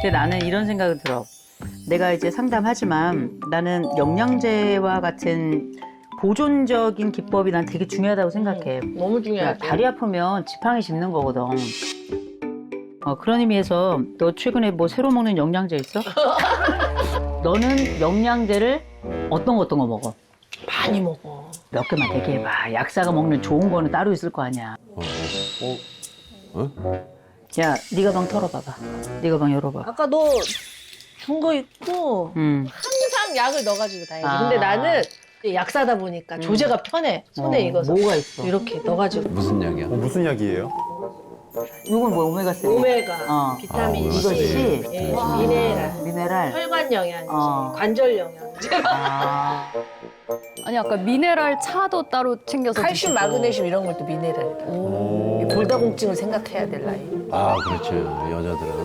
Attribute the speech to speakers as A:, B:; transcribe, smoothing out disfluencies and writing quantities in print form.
A: 근데 나는 이런 생각이 들어. 내가 이제 상담하지만 나는 영양제와 같은 보존적인 기법이 난 되게 중요하다고 생각해.
B: 너무
A: 야,
B: 중요하지.
A: 다리 아프면 지팡이 짚는 거거든. 그런 의미에서 너 최근에 뭐 새로 먹는 영양제 있어? 너는 영양제를 어떤 거 먹어?
B: 많이 먹어.
A: 몇 개만 얘기해봐. 약사가 먹는 좋은 거는 따로 있을 거 아니야. 야, 네 가방 털어봐봐. 네 가방 열어봐.
B: 아까 너 준 거 있고 항상 약을 넣어가지고 다니지.
A: 아.
B: 근데 나는 약사다 보니까 조제가 편해. 손에 익어서.
A: 뭐가 있어?
B: 이렇게 넣어가지고.
C: 무슨 약이야?
D: 무슨 약이에요?
A: 이건 뭐 오메가3?
B: 오메가, 비타민
C: 오메가
B: C,
A: C.
B: 예, 미네랄,
A: 미네랄.
B: 혈관 영양제,
A: 어.
B: 관절 영양제,
A: 아,
E: 아니 아까 미네랄 차도 따로 챙겨서
B: 칼슘,
E: 드시고.
B: 마그네슘 이런 것도 미네랄이다. 이 골다공증을 생각해야 될 나이.
C: 아, 그렇죠. 여자들은.